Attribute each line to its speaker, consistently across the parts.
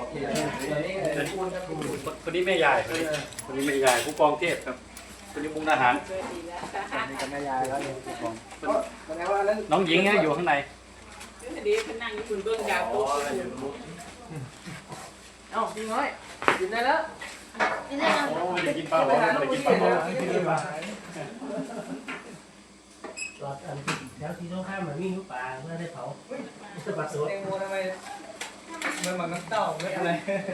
Speaker 1: คนนี้แม่ยายคนนี้แม่ยายผู้กองเทพครับคนนี้มุกดาหารแม่ยายแล้วน้องหญิงอยู่ข้างใน
Speaker 2: ดีพนังญี่ปุ่นเบื้องยาวโต๊ะเอ้าพี่น้อยกินได้แล้ว
Speaker 1: ไม่ได้กินปลาหรอไม่ได้กินปลาหรอ
Speaker 3: หลอดอันแล้วที่ต้องข้ามเหมือนมีนุปลาเพื่อได้เผาสบัดสด
Speaker 2: แตงโมทำไมมันเหมือนน้ำเต้าไม่อะไร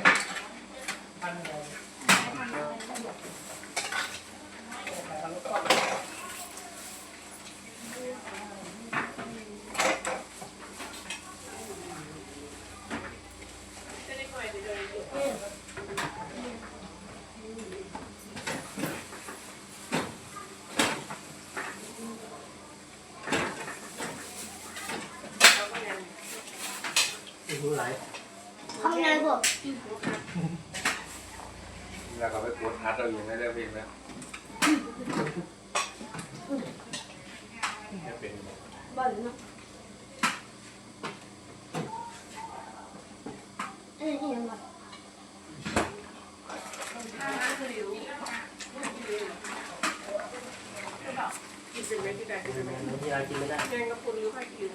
Speaker 3: รู้ไร
Speaker 4: ข้างในพวก
Speaker 5: แล้วก็ไปกดฮัทเราอยู่ไม่ได้เพลงแล้ว
Speaker 4: บ่อยเนาะอันนี้ยังไง
Speaker 2: กินเป็นไหมที่ใดกินเป็นไหม
Speaker 3: มีอะไรกินไม่ได้
Speaker 2: แกงกระปุกหรือไข่กิน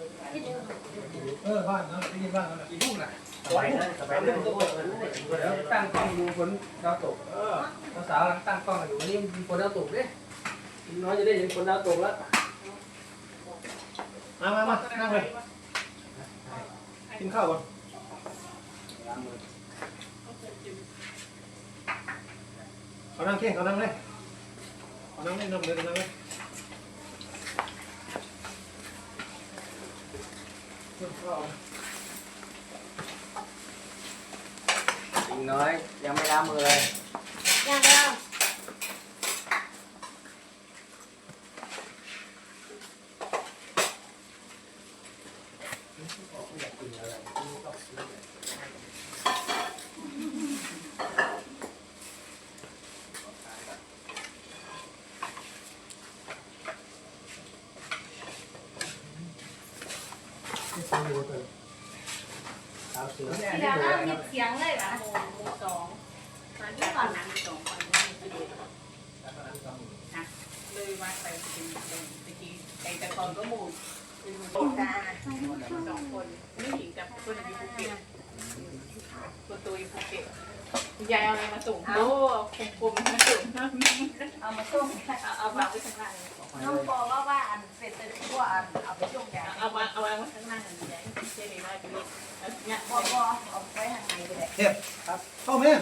Speaker 6: บ้านเนาะได้ยินบ้านเนาะ
Speaker 2: กี่ทุ่มน่ะ
Speaker 3: สบายได้สบายได้
Speaker 2: แล้วตั้งกล้องดูฝนดาวตกสาวตั้งกล้องอยู่วันนี้มีฝนดาวตกดิน้อยจะได้เห็นฝนดาวตกแล้ว
Speaker 6: มานั่งเลยกินข้าวก่อนเขานั่งเข่งเขานั่งเลยนั่งเลยนั่งเลย
Speaker 2: อีกน้อยยังไม่ล้างมือเลย
Speaker 4: ยังเดียว
Speaker 3: เสือ
Speaker 4: เสียงแล้วมีเสียงเลยเหรอ
Speaker 2: สองมาที่ก่อนนะสองคนเลยมาไปเป็นตะกี้ไก่ตะกอนก็มูดเป็นคนตาสองคนนี่หญิงกับคนอยู่ภูเก็ตคนตัวอยู่ภูเก็ตยายเอาอะไรมาส่งโอ้คมมาส่งเอามาส่งเอาวางไว้ข้างล่าง
Speaker 4: น้องบอกว่าอันเป็นตัวอันเอาไปส่งยา
Speaker 2: เอาวางไว้ข้างล่างยายเจ๊ดีมากเลยเนี่ย
Speaker 4: บอกเอาไปทางไหนก็ได้
Speaker 6: เทียบครับเข้าไหม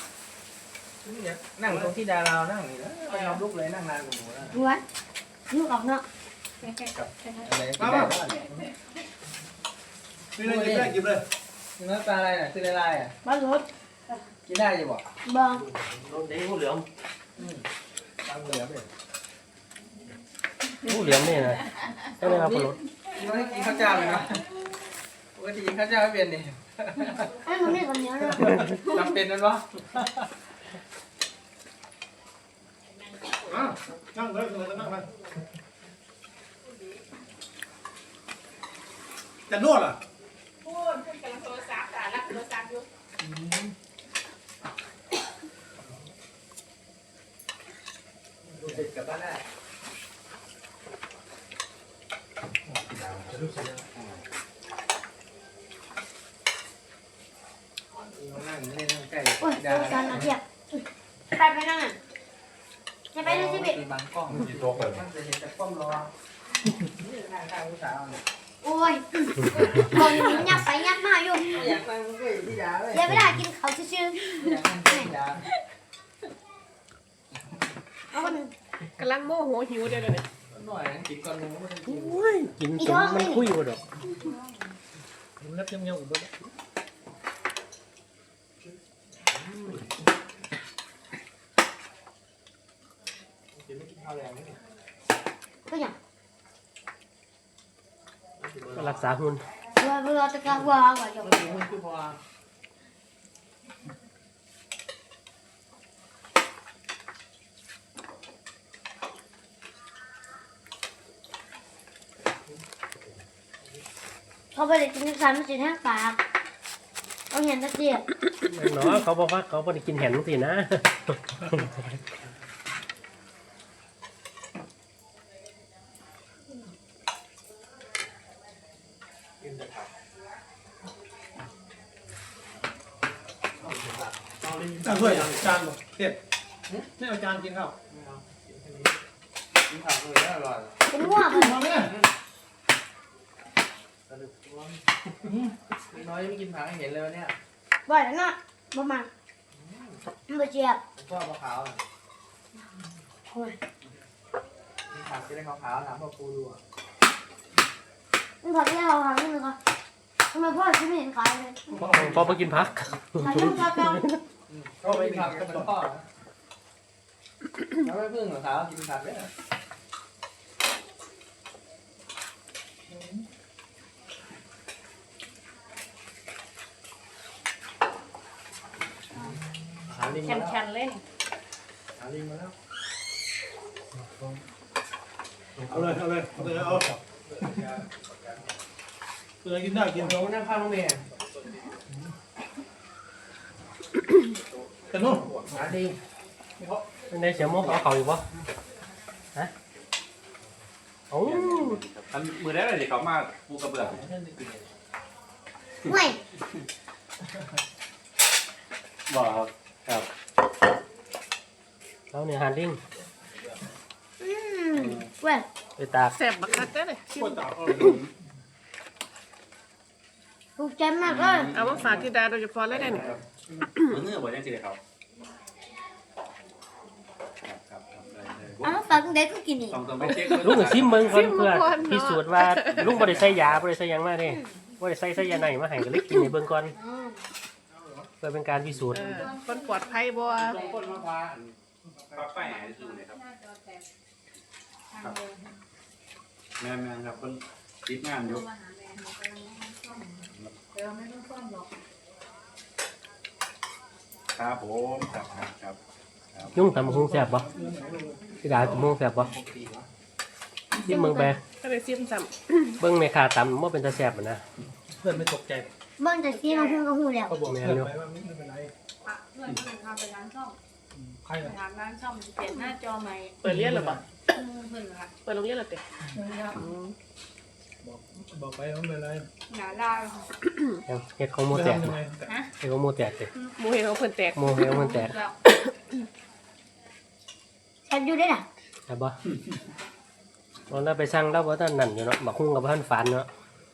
Speaker 2: นั่งตรงที่ดารานั่งนี่แล้วไม่ยอมลุกเลยนั่งนานกว่าหนูแล้ว
Speaker 4: ดูวะลูกออกเนาะ
Speaker 6: มากินเลยกินเลย
Speaker 2: กินน้ำตาอะไรน่ะคืออะไรอ่ะ
Speaker 4: บ้านรถ
Speaker 2: กินได้ยังบ่
Speaker 4: บ้าง
Speaker 3: รถเด้งเหลือง
Speaker 2: ตามเหลือเลย
Speaker 3: เหลืองนี่นะก็เลยมาปลด
Speaker 2: ไม่ได้กินข้าวเจ้าเลยนะปกติกินข้าวเจ้าไม่เป็นนี่
Speaker 4: ไอ้คนนี้คนนี้เนาะ
Speaker 2: จำเป็นนั่นวะ
Speaker 6: นั่งเลยนั่งเลยจะนวดอ่ะ
Speaker 2: พูดขึ้นกำลังโทรศัพท์แต่รับโทรศัพท์อยู่ดูเด็กกลับบ้านได้นั่งเล่นนั่งใกล้
Speaker 4: โอ้ยโทรศัพท์นะเทียบไปนั่งอ่ะจะไปเลยสิบิ
Speaker 2: บางกล้อง
Speaker 5: กินโต๊ะเลย
Speaker 2: มันจะเห็นแต่ป้อมรอนี่นั่งข้างผู้สาวเนี่ย
Speaker 4: โอ้ยคนยับไปยับมาอยู่
Speaker 2: อยากนั่งก็อยู่ที่ยาเลย
Speaker 4: เดี๋ยวเวลากินเขาชื่อ
Speaker 2: อยากนั่งที่ยา
Speaker 4: เอาคน
Speaker 7: กำลังโมโหหิวเดี๋ยวนี้
Speaker 2: หน่อยกินก่อนนึงไม่ได้กิน
Speaker 3: โอ้ยกินจนมันคุยหมดดอก
Speaker 6: มันเล็บยังอยู่ด้วย
Speaker 4: ก็อย่าง
Speaker 3: รักษาหุ่น
Speaker 4: เราจะกลับว่าก่อนจะ
Speaker 2: มันถึงคือพอ
Speaker 4: เขาไปเลยกินซ้ำสิแห้งปากเอาเห็นตะเกียบ
Speaker 3: เนาะเขาบอกว่าเขาไม่ได้กินแหนสินะ
Speaker 6: เอาถ้วยจานหมดเด็ดไม่เอาจานกินข้าว
Speaker 5: กินผักเลยน่าอร่อย
Speaker 4: เป็นง่วง
Speaker 6: มาเนี่ย
Speaker 5: น้อยไม่กินผักให้เห็นเลยเนี่ย
Speaker 4: บ่อยแล้วเนาะบ่มาบ่เจียบ
Speaker 5: ชอบมะพร้าวกินผักจะได้ขาวๆถามพ่อปูดูอ่ะ
Speaker 4: มันขอที่เราหาเงินก่อนทำไมพ่อฉันไม่เห็นขายเลย
Speaker 3: พอมากินพัก
Speaker 4: ขายลูกกาแฟ
Speaker 5: ก็ไม่ผักก็เป็นพ่อแล้วไม่พึ่งเหรอครับกินผักด้วย หาลิงมาแล้ว
Speaker 7: แข็งๆเล่น
Speaker 5: หาลิงมาแล้ว
Speaker 6: เอาเลยเอาเลยเอาเลยเอาตัวกินได้กิน
Speaker 5: ลงนั่งข้างน้องเมย์
Speaker 6: แต่นู่น
Speaker 5: หาลิง
Speaker 3: ในเสียมกเอาเขาอยู่ปะฮะโอ้
Speaker 1: อันมือได้เลยเดี๋ยวเขามาปูกระเบื้อง
Speaker 4: ไม่
Speaker 1: บอกครับ
Speaker 3: เราเนี่ยหันลิง
Speaker 4: เว้ย
Speaker 3: ไปตาก
Speaker 7: แซ่บบักคักเด้อเลย
Speaker 6: ปวดตา
Speaker 4: ถูกใจมากเลย
Speaker 7: เอามาฝากที่ดาโดยเฉพาะเลยได้เนี่ย
Speaker 1: มือเนื้อบ่ยังสิเดี๋ยวเขาครับได้เลย
Speaker 4: เอามาฝากเด็กก็กินอีก
Speaker 1: ต้องไปเช็ค
Speaker 3: ลุงกับซิมเบิ้งก่อนเพื่อพิสูจน์ว่าลุงบริใส่ยาบริใส่หยังมาเด้บริใส่ยาไหนมาให้ก็เลยกินในเบิ้งก่อนเพื่อเป็นการพิสูจน์
Speaker 7: คนปลอดภัยบ่
Speaker 1: ลงก้นมะพร้าวปลาแป้งดูเลยครับแม่ครับคนติดงานอยู่ครับผมครับ
Speaker 3: ยุ่งทำคงแสบปะพี่ดาจะมุ่งแสบปะซิมเบิ้งไป
Speaker 7: ก็เลยซิมซ้
Speaker 3: เบิ้งในขาตำว่าเป็นตาแสบนะ
Speaker 6: เพื่อนไม่ตกใจ
Speaker 4: เบิ่งแต่ที่มันเพิ่งก็หูแล้ว
Speaker 6: เขาบอกเพื่อนไปว่าไม่เป็นไร
Speaker 2: เพื่อนเพื่อนพาไปร้านซ่อม
Speaker 6: ใครล่ะ
Speaker 2: ถามร้านซ่อมเปลี่ยนหน้าจอใหม่
Speaker 7: ำเปิดเรียนหรือเปล่า
Speaker 2: เพื่อนค่ะ
Speaker 7: เปิดโรงเรียนหรือเปล่า
Speaker 6: บอกไปว่าไม่เป็นไร
Speaker 2: หนาลา
Speaker 3: เห็ดของโม
Speaker 6: ไม่
Speaker 3: แตก
Speaker 6: ทำยังไง
Speaker 3: เห็ดของโมแตกเลย
Speaker 7: หมูเห็นเขาเพิ่นแตก
Speaker 3: โมเห็ดของมันแตก
Speaker 4: ฉันอยู่ได้น่ะ
Speaker 3: ใช่ปะเราไปสั่งแล้วว่าท่านนั่นอยู่เนาะบักคุ้งกับท่านฝันเนาะ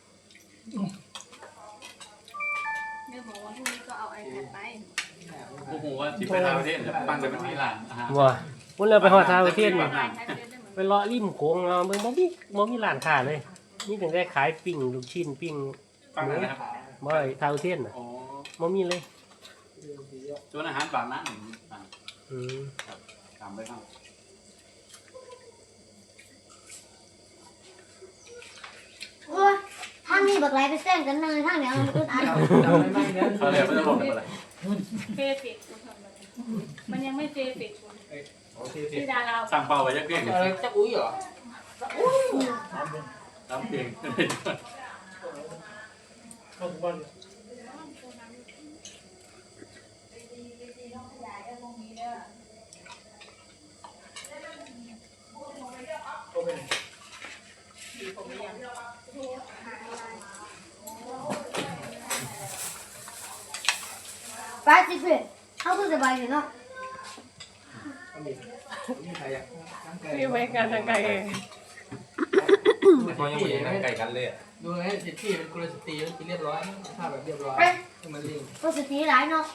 Speaker 2: แม่บอกว่าพรุ่งนี้ก็เอา iPad ไป
Speaker 1: โอ้โหว่าที่ไปทางประเทศปั้นแต่มันมีหลานอาหาร
Speaker 3: ว่าวันเราไปหอดทาวประเทศนี่
Speaker 2: iPad เล่นได้เหมือน
Speaker 3: ไปเลาะริมโขงเอาเบิ่งบ่มีร้านค้าเลยนี่ถึงได้ขายปิ้งลูกชิ้นปิ้ง
Speaker 1: ปั้นนะครับ
Speaker 3: บ่ไอ้ทาวประเทศน่ะ
Speaker 1: อ๋อ
Speaker 3: บ่มีเลย
Speaker 1: ส่วนอาหารบางร้านหนึ่ง
Speaker 3: อืม
Speaker 1: ตามไปข้าง
Speaker 4: โอ้ยทางนี้บักไหลไปแซงกันเลยทางเนี้ยมันอึดอัด
Speaker 1: เขาเลยไม่ต้องบอกอะไร
Speaker 2: เฟซฟิกคุณทำอะไรมันยังไม่เฟซฟิกคุณที่ดารา
Speaker 1: สั่งเป่าไว้ยักเพียง
Speaker 5: อะไรจะอุ้ยเหรอ
Speaker 1: ตามเพียง
Speaker 6: เข้าทุกวัน
Speaker 4: ไปสิเพื่อนเขาคือสบายอยู่เนาะ
Speaker 5: มีใครอยาก
Speaker 7: นี่ไว้งานทางไกลเอง
Speaker 5: เขายังไม่ได้นั่งไก่กันเลยดูไหมเด็กพี่เป็นกุลสตรีกินเรียบร้อยถ้าแบบเรียบร้อยมันลิง
Speaker 4: ก็สติหลายเนาะ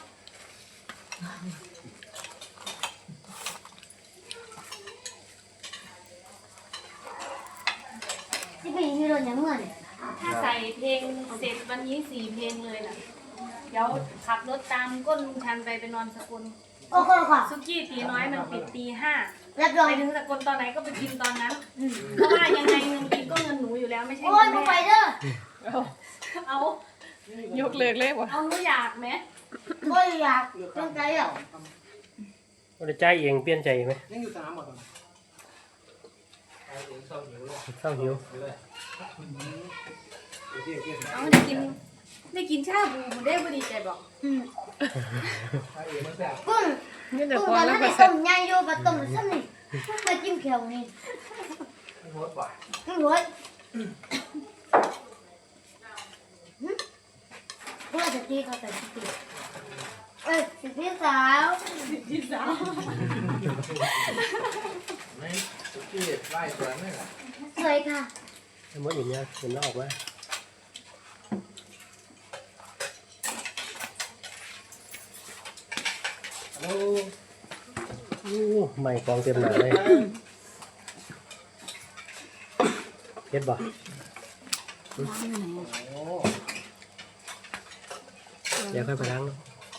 Speaker 4: ที่พี่มีรถอย่างเมื่อนี่
Speaker 2: ถ้าใส่เพลงเสร็จวันนี้4 เพลงเลยน่ะ เดี๋ยวขับรถตามก้นลุงชันไปนอนสกล
Speaker 4: โอ้โหค่ะ
Speaker 2: ซุกี้ตีน้อยมันปิดตี
Speaker 4: รับร
Speaker 2: 5
Speaker 4: อง
Speaker 2: ไปถึงสกลตอนไหนก็ไปกินตอนนั้น เพราะว่ายังไงเงินกินก็เงินหนูอยู่แล้วไม่ใช่
Speaker 4: โอ้
Speaker 2: เงิ
Speaker 4: ย
Speaker 2: น
Speaker 4: มา
Speaker 2: แม่
Speaker 4: ไปเด้อ
Speaker 2: เอา
Speaker 7: ยกเลิกเลยว่ะ
Speaker 2: เอาหนูอยากไหม
Speaker 4: โอ้ยอยากตั้งใจอ่ะ
Speaker 3: บ่ได้จ่ายเองเปลี่ยนใจไหม
Speaker 6: ยังอยู่สนามหมดตอน
Speaker 3: เศร้าหิว
Speaker 2: เอาจะกิน
Speaker 4: ได้กินชาบูมันได้บ่ดีใจบอก
Speaker 5: ไอ้เอ๋มันแซ่บ
Speaker 4: กุ้ง
Speaker 7: นี่แต่
Speaker 4: กุ้ง
Speaker 7: พอ
Speaker 4: ตอน
Speaker 7: แล้ว
Speaker 4: นั้น
Speaker 7: ก็
Speaker 4: ได้
Speaker 7: ใส่
Speaker 4: ต้มยางโยบะต้มซ้ำนี่มาจิ้มเขียวนี่
Speaker 5: ไม่โหดกว่า
Speaker 4: รวยเพื่อจะตีเขาแต่ตีสิพี่สาว
Speaker 5: ไม่สุกี้ไล่สวนไม่หรอ
Speaker 4: สวยค่ะ
Speaker 3: สมมติอย่างเงี้ยเห็นแล้วออกว่าโอ้ใหม่กองเต็มหนาเลยเฮ็ดบ่เดี๋ยวค่อยไปล้างเนาะ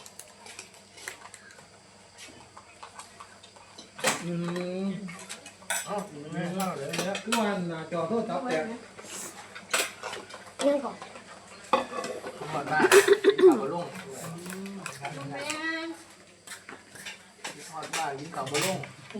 Speaker 5: อ๋อไม่เข้าเลย
Speaker 6: เนี่ยคือว่าหน้าจอโทรศัพท์แตก
Speaker 4: ยังก่อน
Speaker 5: ทุกคนบ้านกินข้าวบะลุ่งทอดบ้านกินข้าวบะลุ่ง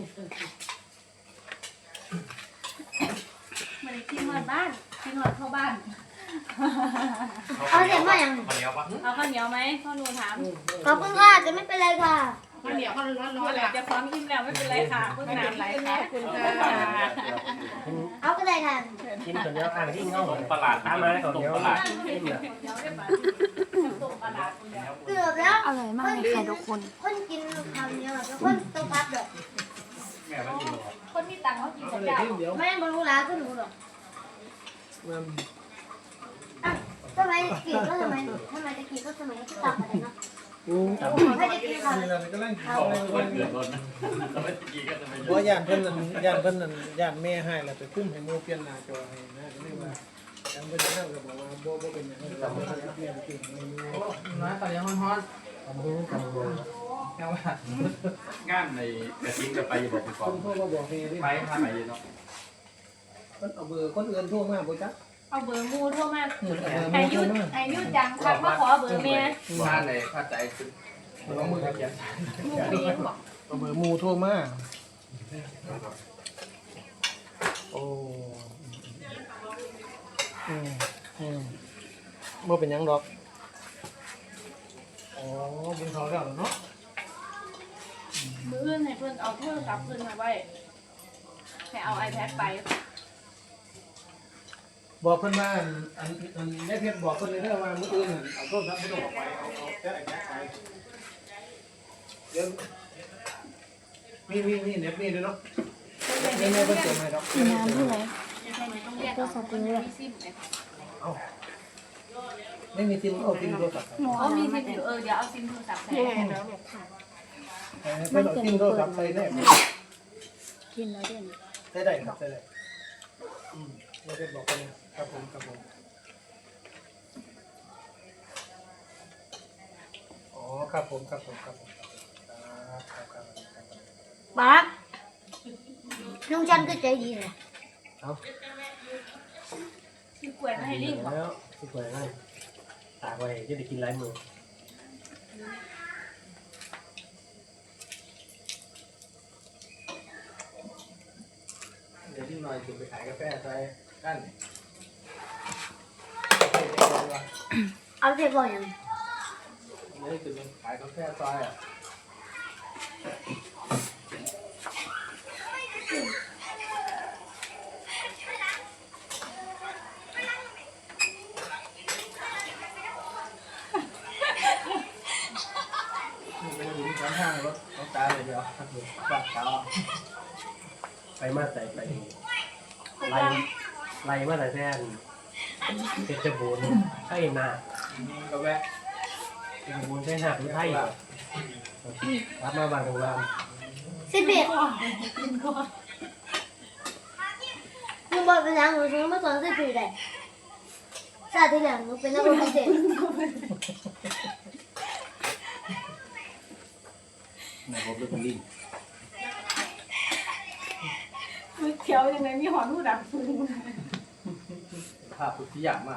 Speaker 4: มาเลยกินหอดบ้านกินหอดเข้าบ้านเอาเสร็จมาอย่าง
Speaker 1: ข้าวเหนียวปะ
Speaker 2: เอาข้าวเหนียวไหมพ่อหนูถาม
Speaker 4: ขอบคุณค่ะจะไม่เป็นไรค่ะ
Speaker 2: ข้าวเหนียวข้าวร้อนๆจะพร้อมอิ่มแล้วไม่เป็นไรค่ะเพิ่งน้ำไหลค่ะ
Speaker 7: ขอบคุณค่ะ
Speaker 4: เอาก็ได้ค่ะ
Speaker 3: กินคนเดียวอ่างที่เงา
Speaker 1: ต้มประหลาด
Speaker 3: ตามมาแล้วคนเดียว
Speaker 1: ต้มประหลาด
Speaker 3: กินเหรอ
Speaker 2: ต้มปลาร้าคุณแล้ว
Speaker 4: เกือบแล้ว
Speaker 8: อร่อยมากเลยค่ะทุกคน
Speaker 4: คนกินคำเดียวแล้วคนต้องพัดแบบ
Speaker 1: แม่มันกินหรอ
Speaker 2: คนมีตังค์เขากิน
Speaker 6: เอา
Speaker 2: กับ
Speaker 6: เลย
Speaker 2: เจ้า
Speaker 6: ทีเดียว
Speaker 4: ไม่บรรลุร้าก็หนูหรอก
Speaker 6: มัน
Speaker 4: ทำไมกีก็ทำไมจะกีก็สนุกก็ตับอะไรเนาะ
Speaker 6: กู
Speaker 4: ไม่ได้กินค่ะ
Speaker 6: นี่เราก็เล่น
Speaker 1: บอกว่าคนเดือดร้อนนะเราไม่กินก็จะไม่
Speaker 6: เพราะย่านเพิ่นนั่นย่านเพิ่นนั่นย่านแม่ให้แล้วไปคุ้มให้หมู่เปลี่ยนหน้าจอให้นะก็เลยว่ายังบ่ได้นั่งก็บอกว่าบ่เป็นหยังเราบ่ได้เปลี่ยนเก่งไม่รู้
Speaker 5: น้อยตอนนี้ฮ้อน
Speaker 3: ทำมือทำมือ
Speaker 5: ๆแค่ว่าง
Speaker 1: านในกระทิ้งกับไปบอกคุณก
Speaker 6: ค
Speaker 1: อง
Speaker 6: นโทรมาบอกนี่ดิ
Speaker 1: ไปถ้าไปเนาะ
Speaker 6: มันเอาเบอร์คนอื่นโทรมาบ่จัก
Speaker 2: เอาเบอร์มูโทรมา
Speaker 6: อา
Speaker 2: อา
Speaker 6: ยุ
Speaker 2: ยุอายุจังทักมาขอเบอร์เมีย
Speaker 5: บ้านไหนผ้าใจคือต้องมือเขียน
Speaker 2: มูเมียบอก
Speaker 6: เอาเบอร์หมู่โทรมาโอ้บ่เป็นหยังดอกอ๋อกินข้าวแล้วเนาะ
Speaker 2: มืออื่นให้เพื่อนเอาโทรศัพท์เพื่อนมาไว้ให้เอา iPad ไป
Speaker 6: บอกเพิ่นว่าอันได้เพชรบอกเพิ่นเลยเด้อว่ามื้ออื่นเอาโทรศัพท์บ่ต้องออกไปเอาแต่ไอ้แบ็คไปเดี๋ยวมีเน็ตมีด้วยเนาะไม่เพิ่นเติมให้ดอก
Speaker 8: น้ำที่ไหน
Speaker 2: ต้องเรียกเอาคนมีซิมเลย
Speaker 6: เอาไม่มีซิมเอาซิมโทรศัพท์ไป
Speaker 2: เขามีซิมอยู่เดี๋ยวเอาซิมโทรศัพท์ใส่
Speaker 6: เพิ่นเอาซิมโทรศัพท์ใส่ได้
Speaker 8: กินแล้วเด่น
Speaker 6: ใส่ได้ครับใส่ได้เราเพชรบอกเพิ่นครับผมอ๋อครับผมครับ
Speaker 4: ป๊าลุงจันก็ใจดีเลย
Speaker 2: คือกล้วยไม่ให้ลิงบอก
Speaker 3: แล้วสุดเลยง่ายตากไว้จะได้กินหลายมือ
Speaker 5: เดี๋ยวที่หน่อยถึงไปขายกาแฟใส่กัน
Speaker 4: เอาเสร็จบ่อยยัง
Speaker 5: นี่ถึงขายกาแฟซอยอ่ะเป็นอยู่ที่ข้างรถน้องตาเลยเดียวปากเท้า
Speaker 3: ไปมาใส่ไปไล่มาแต่แท่นเพชรบูรณ์ไข่นา
Speaker 5: ก็แวะ
Speaker 3: เพชรบูรณ์ไข่นาหรือไทยรับมาบางโรงแรม
Speaker 4: 11ลุงบอกเป็นยังหนูซื้อมาสอน14ได้ชาติที่แล้วหนูเป็นนักเรียนพิเศษ
Speaker 1: ไหนผมเป็นคนลิง
Speaker 2: เขียวยังไงมีหอนหูดับฟืน
Speaker 5: ภาพสุดที่อยากมาก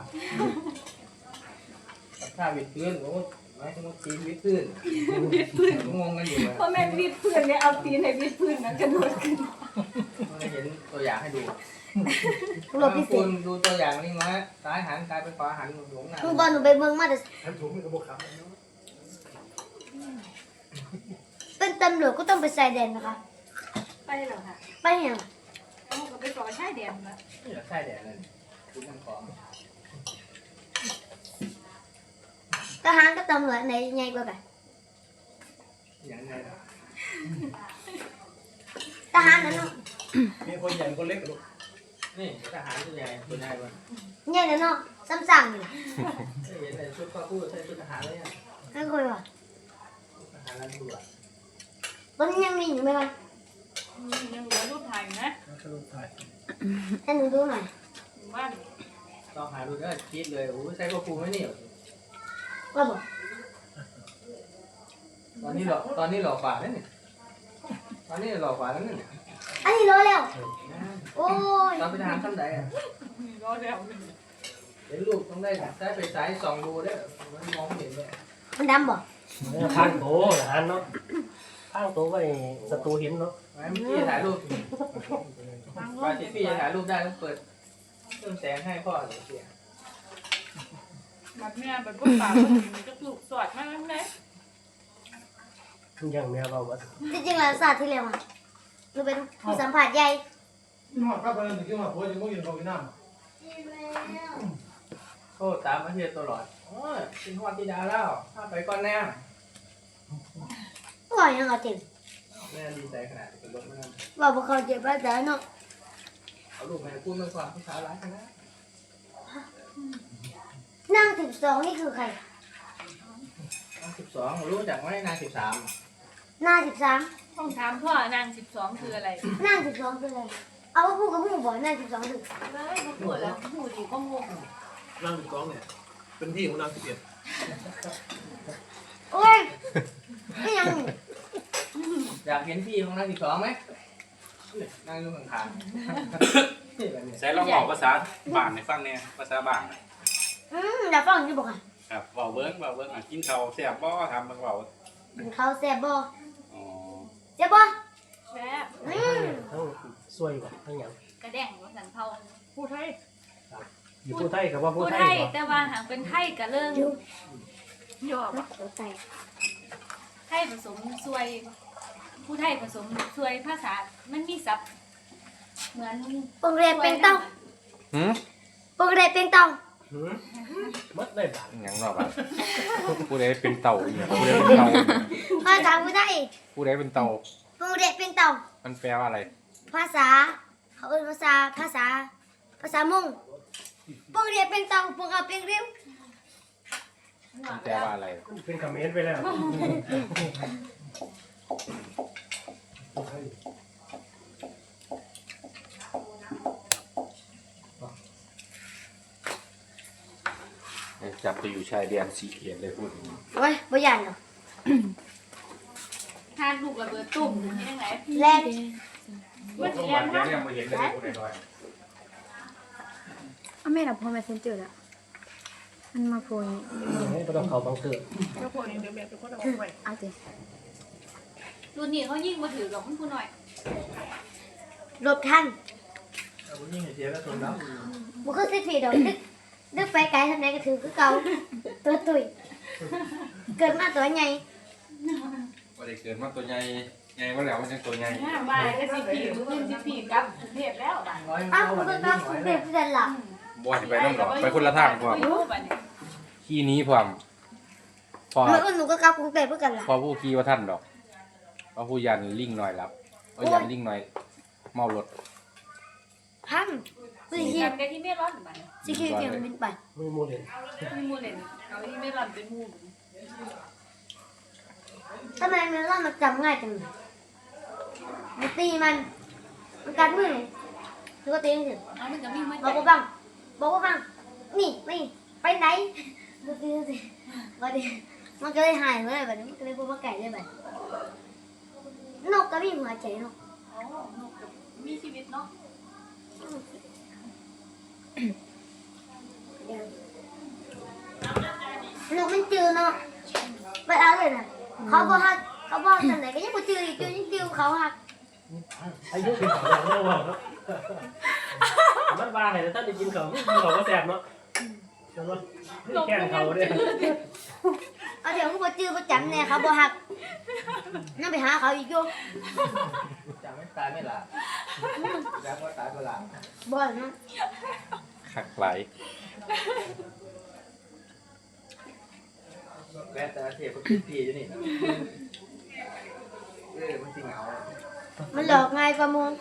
Speaker 5: ถ้าวิดพื้นโอ้ไม่ต้องตีวิดพื้นงงกันอยู่เลย
Speaker 2: เพราะแม่วิดพื้นเนี่ยเอาตีนให้วิดพื้นนะกระโดดขึ้น
Speaker 5: ไม่เห็นตัวอย่างให้ดู
Speaker 4: รถพิเศ
Speaker 5: คุ
Speaker 4: ษ
Speaker 5: ณดูตัวอย่างนี่นะซ้ายหันกลายเป็นขวาหันหลงหน้า
Speaker 4: คือบอลหนูไปเบิ่งมาแต่
Speaker 6: ท่านถูกมีกระบอกครับ
Speaker 4: เป็นตำรวจก็ต้องไปใส่แดนนะคะ
Speaker 2: ไปเหรอคะ
Speaker 4: ไปยัง
Speaker 2: เอาก็ไปสอนชายแดนมา
Speaker 5: นี่เหรอใช่แดดเลยคุณนั่งของ
Speaker 4: ทหารกับตำรวจไหนใหญ่กว่ากัน
Speaker 5: อย่างไร
Speaker 4: ทหารนั่นเนาะ
Speaker 6: มีคนใหญ่คนเล็กลูก
Speaker 5: นี่ทหารตัวใหญ่ตัวใหญ่กว่า
Speaker 4: ใหญ่นั่นเนาะซ้ำๆนี่ล่ะ
Speaker 5: เห็นแต่ชุดก็พูดใส่ชุดทหารเลยอ่ะ
Speaker 4: นั่นคุยว่า
Speaker 5: ทหารแล้วดูอ่ะ
Speaker 4: ตอนนี้ยังมีอยู่ไหมวะ
Speaker 2: ยังเหลือรูปถ่ายอยู่นะ
Speaker 6: สรุปถ่าย
Speaker 4: ให้หนูดูหน่อย
Speaker 2: อยู่บ้าน
Speaker 5: ลองหาดูได้คิดเลยโอ้ใส่ก็ปูไม่นี่
Speaker 4: ว่าบอก
Speaker 5: ตอนนี้หล่อกว่านั่นนี่ตอนนี้หล่อกว่าแล้วนี่
Speaker 4: อันนี้รู้แล้ว โอ้ย
Speaker 5: ตอนไปทหารขั้นใดอ่ะ
Speaker 2: รอแล้ว
Speaker 5: เห็นลูกต้องได้ใช้ไปสายส่องดูได้มันมองไม่เห็นเลย
Speaker 4: มันดำบอก
Speaker 3: ข้างโตทหารเนาะข้างโตไว้ศัตรูเห็นเนาะ
Speaker 5: เมื่อกี้ถ่ายรูปกว่าที่พี่จะถ่ายรูปได้ต้องเปิดเครื่องแสงให้พ่อเลยเสีย
Speaker 2: แบบเนี้ยแบบพวกป่ามันจะถูกสอดมากเลย
Speaker 3: ยังแมวเราว่า
Speaker 4: จริงๆแล้วศาสตร์ที่เร็วอ่ะหนูเป็นผู้สัมผัสใหญ่
Speaker 6: ที่หอดข้าวไปนั่นถึงที่หอดหัวยังไม่กินข้าวกินน้
Speaker 5: โทษตามมาเทียตลอดโอ้ยกินฮอดที่ดาแล้วถ้าไปก่อนแน่
Speaker 4: ก็บอกยังเอาเจ็บ
Speaker 5: แม่ดีใจขนาดเป็นรถมัน
Speaker 4: บอกว่าเขาเจ็บแล้วแต่เนาะ
Speaker 5: เอาลูกแม่พูดมันความผู้สาวร้ายกันนะ
Speaker 4: นั่ง12นี่คือใคร
Speaker 5: 12รู้จักไหมนาง13
Speaker 4: หน้า13
Speaker 2: ต้องถามพ่อนาง12คืออะไร
Speaker 4: นั่ง12คืออะไรเอาว่าพูดกับพูดบอกนั่ง12คือ
Speaker 2: เลยมาพูดแล้วพูดดีก็งง
Speaker 6: ำนั่งอยู่กองเนี่ยเป็นที่ของนางเกียรติ
Speaker 4: โอ้ยไม่ยัง
Speaker 5: อยากเห็นพี่ของนาง12ไหมนั่งอยู่ข้างๆ
Speaker 1: ใช้ลองบอกภาษาบ้านในฟังเนี่ยภาษาบ้าน
Speaker 4: เดี๋ยวฟังอยู่บอกค่ะ
Speaker 1: ครับเบาเบิ้งอ่ะกินข้าวแซ่บบ่ทำเบิ่งเบา
Speaker 4: กินข้าวแซ่บบ่
Speaker 1: อ๋อ
Speaker 4: แซ่บบ่
Speaker 2: แซ่บ
Speaker 3: ทั้งซวยบ่ทั้งหยัง
Speaker 2: กระแดงว่าสันเทาผู้ไทย
Speaker 3: อยู่ผู้ไทยกับว่าผู้
Speaker 2: ผู้
Speaker 3: ไท
Speaker 2: ไท
Speaker 3: ย
Speaker 2: ย
Speaker 3: บ่
Speaker 2: แต่ว่าหางเป็นไทยกับเรื่องยอบ่
Speaker 4: ตัวไต
Speaker 2: ไทยผสมซวย ผู้ไทยผสมซวยภาษา มันมีศัพท์เหมือน
Speaker 4: ปงเรียเป็นเต้า
Speaker 9: หืม
Speaker 4: ปงเรียเป็นเต้า
Speaker 3: หืมหมดเลยบาด
Speaker 9: หยังรอบอ่ะผู้ใดเป็นเต่าอีกผู้ใดเป็นเต่า
Speaker 4: ภาษาผู้ไทย
Speaker 9: ผู้ใดเป็นเต่า
Speaker 4: ปงเรียเป็นเต้า
Speaker 9: มันแปลว่าอะไร
Speaker 4: ภาษาเขาเอ่ยภาษามงปงเรียเป็นเต้าปงเอาเป็นเรียว
Speaker 9: มันแปลว่าอะไร
Speaker 3: เป็นคอมเมนต์ไปแล้ว
Speaker 9: จับไปอยู่ชายแดนสีเขียนเลยพูดอย่างนี้
Speaker 4: โอ้ยบ่ยันหรอก
Speaker 2: ทานลูกระเบิดตุ่มที่ยังไง
Speaker 4: แลน
Speaker 2: มัน
Speaker 1: สม
Speaker 2: เรีย
Speaker 1: บั
Speaker 2: น
Speaker 1: ติ
Speaker 2: นะ
Speaker 1: ยังไม่เห็นเลยผู้ใดดอย
Speaker 8: เอาแม่ดับพอแม่เซนเจอร์ละมันมาโพย
Speaker 3: ไม่ต้องเขาบังเกิด
Speaker 7: ก็พวกนี้เดี๋ยวแม่เป็นคนเอาไว้
Speaker 8: เอาสิ
Speaker 2: รุ่นนี้เขายิ่งมาถือกับมันผู้หน่อย
Speaker 4: หลบทัน
Speaker 5: เอาผู้หญิงเสียก็ทนแล้ว
Speaker 4: บ่คือสิผิดดอกนึกไปไกลทำไมก็ถือคือเก่าตัวตุยเกิดมาตัวใหญ่
Speaker 9: ว่าได้เกิดมาตัวใหญ่ใหญ่ว่าแล้วมันยังตัวใหญ่
Speaker 2: ห้าบาทก็สิผีรุ่นสิผีกับกรุงเทพแล้วบาท
Speaker 4: อ้าวคุณก็คุณเป็นเพื่อนหลับ
Speaker 9: บ่ให้ไปน้ำหรอกไปคนละทางพร้อมขี้นี้พร้อมพอ
Speaker 4: เมื่อวันหนูก็กลับกรุงเทพเพื่อกันหลับ
Speaker 9: พอผู้ขี้ว่าท่านดอกพอผู้ยันลิงหน่อยรับเอายันลิงหน่อยเมารถ
Speaker 4: พันสิ
Speaker 2: สี
Speaker 4: คิว
Speaker 2: กันที่ไม่ร้อนบาท
Speaker 4: สิคิวเกี่ยวบินไป
Speaker 3: มือมูเลน
Speaker 2: มีมูเลนเอาที่ไม่ร้อนเป็นมูล
Speaker 4: ทำไมมันเล่ามันจำง่ายจังเลยมันตีมันกัดมือแล้วก็ตีมันถึง
Speaker 2: เอามันก็มีมา
Speaker 4: บอกว่าบังบอกว่าบังนี่ไม่ไปไหนดูสิดูสิวันนี้มันก็เลยหายเลยแบบนี้มันก็เลยพูดว่าไก่เลยแบบนกก็มีหัวใจนก
Speaker 2: มีชีวิตเนาะ
Speaker 4: นกมันจืดเนาะไปเอาเลยนะเขาบอกฮักเขาบอกทำไหนก็ยังบ่จืดอีกจืดยังจืดเขาฮัก
Speaker 3: อายุเป็นของเราเรื่องว่าเนาะมันว่าให้ท่านได้กินเขาก็แสบเนาะแล้วก็แกล้งเขาเนี่ย
Speaker 4: เอาเดี๋ยวมึงบ่จื้อบ่จำแน่เขาบ่ฮักนั่นไปหาเขาอีกอยู่
Speaker 5: จำไม่ตายไม่หลับแล้วก็ตายก็หลับ
Speaker 4: บ่เนาะ
Speaker 9: หักไหล
Speaker 5: แวะแต่เทปก็คิดทีอยู่นี่มันจริงเหงา
Speaker 4: มันหลอกง่ายกว่ามึง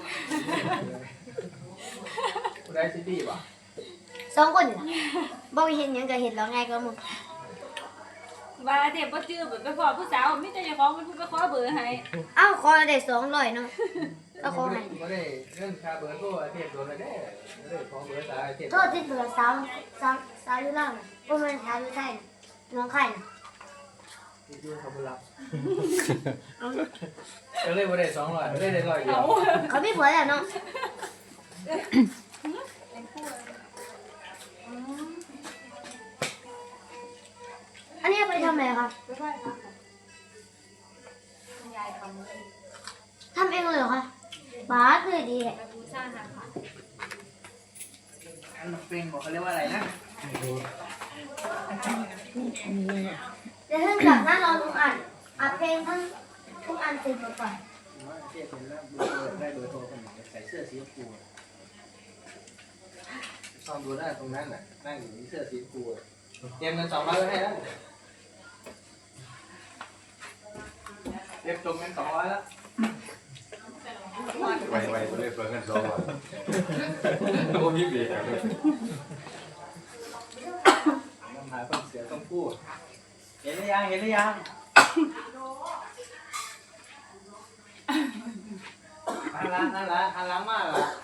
Speaker 5: ได้ซิตี้ป่ะ
Speaker 4: สองคนนี่ล่ะบ่เห็นหยังก็เห็นหลอกง่ายกว่ามึง
Speaker 2: ว่าเด็กบ่จื้อไปขอผู้สาวมิแต่เจ้าของมันผู้ไปขอเบอร์ให้
Speaker 4: เอ้าขอได้200เนาะก็ขอให้
Speaker 5: ไม่ได้เรื่องคาเบอร์โทรเทปโดนไม่ได้ไม่ได้ขอเบอร์สายเทป
Speaker 4: โทษที่เบื่อสาวอยู่ล่างน่ะบ่แม่นสาวอยู่ไทยน่ะน้องไข่น่ะ
Speaker 5: ที่ยื่นเขาไม่รับก็เลยไม่ได้200ไม่ได้100เดียว
Speaker 4: เขามีผัวแล้วเนาะอันนี้เอาไปทำอะไรครับ
Speaker 2: ไม่ค่อยค่ะคุณยายทำเลย
Speaker 4: ทำเองเลยเหรอคะบาสเลยดีแหละ
Speaker 2: ไปบูชาหาค่ะ
Speaker 5: อันเป็นบอกเขาเรียกว่าอะไรนะ
Speaker 4: เดี๋ยวท่านกลับหน้านอนทุกอันอัดเพลงทั้งทุกอันเสร็จก่อน
Speaker 5: เทปเป็นแล้วได้เบอร์โทรคนหนึ่งใส่เสื้อสีชมพูซ่อมดูได้ตรงนั้นน่ะนั่งอยู่ในเสื้อสีชมพูเตรียมเงิน200ไว้ให้แล้วเรียบจมเงิน200แล้ว
Speaker 9: ไวตัวเลขเพิ่งกันสองวันโอ้พี่เบียร์เลย
Speaker 5: น้ำหายคนเสียต้องพูดเห็นหรือยังเห็นหรือยังนั่นละหันหลังมากละ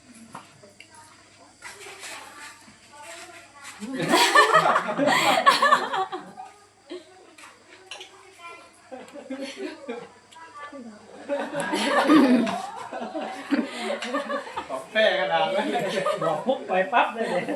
Speaker 5: บอกแป้กระดาษไว้
Speaker 3: บอกปุ๊บไปปั๊บเลยเนี่ย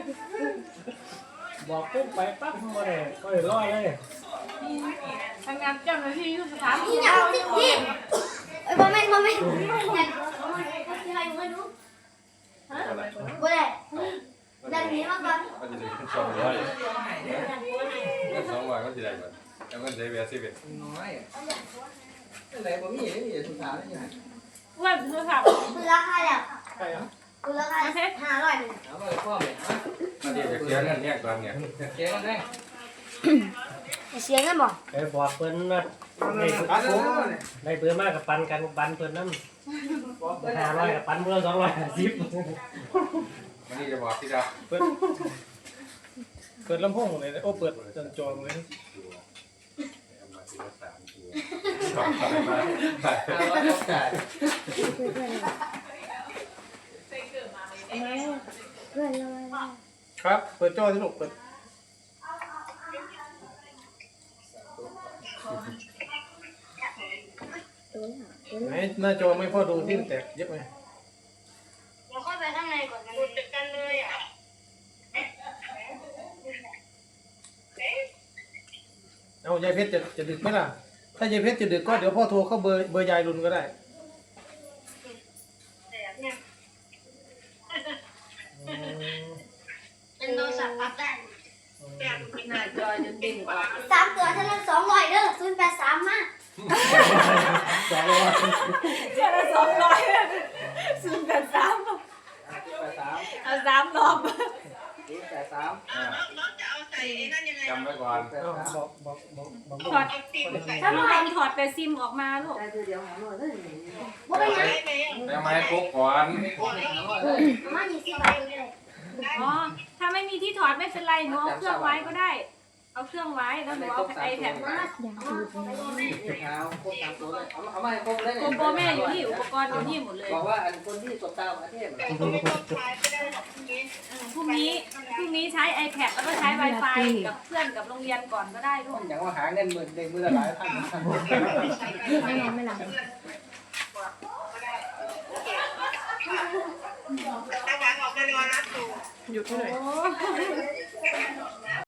Speaker 3: บอกปุ๊บไปปั๊บมาเลยก็เลยร้อยเลย
Speaker 2: ทำงานเจ้าหน้าที่ทุกสถาน
Speaker 4: นี่ยังที่เอ้ยบ่แม่นอยากเอามาให้ใครมาดูบ่ได้ดันนี้มาก่อน
Speaker 9: ก็จะได้ขึ้น200เงิน200ก็จะได้ก่อนแล้วเงินได้เบียร์11
Speaker 5: น้อยอะไรบ่มีนี่สุดท้ายนี่ไง
Speaker 2: ว่าโทรศัพท์
Speaker 4: คือราคาแล้ว
Speaker 6: ใช่เหรอ
Speaker 4: คือราคา500นึง
Speaker 5: เอาไปพ่อเลย
Speaker 9: มาเดี๋ยวจะเคลียร์เงินเนี่ยก่อนเนี่ย
Speaker 5: เจ๊กันได้
Speaker 4: เสียเงินบ่
Speaker 3: ไปบอกเพิ่นว่าได้
Speaker 5: ปัดเลย
Speaker 3: ได้เพิ่นมากกับปันกันปันเพิ่นน้ำ500กับปันเพิ่น250
Speaker 9: วันนี้จะบอกที่ดาว
Speaker 6: เปิดลำโพงเลยโอ้เปิดจนจอเลย
Speaker 9: เอามาทีละ3ตัวสองต่อมา
Speaker 5: 500ต้องจ่าย
Speaker 4: เพื่อนเลย
Speaker 6: ครับเปิดจอที่ลูกเปิดไหนหน้าจอไม่พอดูที่แตกเยอะไหม
Speaker 4: เราเข้าไปข้างในก่อนกันเลยอ่ะ
Speaker 6: เอายายเพชรจะดึกไหมล่ะ ถ้ายายเพชรจะดึกก็เดี๋ยวพ่อโทรเข้าเบอร์ยายรุนก็ได้
Speaker 4: เป็นโทรศัพท์ปรับได้
Speaker 2: หน้าจอจนดิ่งออก
Speaker 4: 3 ตัวเท่านั้น200เด้อ083มา
Speaker 2: เจ้าละ200ศูนย์กัน3
Speaker 5: 83
Speaker 2: เอา3รอบ
Speaker 9: จำไว้ก่อน
Speaker 6: บอก
Speaker 2: ถอดถ้าไม่ให้ถอดแต่ซิมออกมาลูก
Speaker 4: บ่เป็นหยัง
Speaker 9: แล้วมาให้ปุ๊บก่อน
Speaker 4: มา20บาทเลย
Speaker 2: อ๋อถ้าไม่มีที่ถอดไม่เป็นไรหนูเอาเครื่องไว้ก็ได้ เอาเครื่องไว้แล้วหนูเอาไอแพดมา
Speaker 5: เอาครบ3ตัวเลยเอามาให้ครบเลย
Speaker 2: โกโบแม่อยู่นี่อุปกรณ์อยู่นี่หมดเลย
Speaker 5: บอกว่าอันคนที่ตบตาประเทศ
Speaker 2: พรุ่งนี้ใช้ iPad แล้วก็ใช้ Wi-Fi กับเพื่อนกับโรงเรียนก่อนก็ได้ลูก
Speaker 5: อย่างว่าหาเงิน10,000ได้มื้อละหลายพัน
Speaker 8: ไม่นอนไม่หลับ
Speaker 7: อยู่ที่ไหน
Speaker 2: โอ้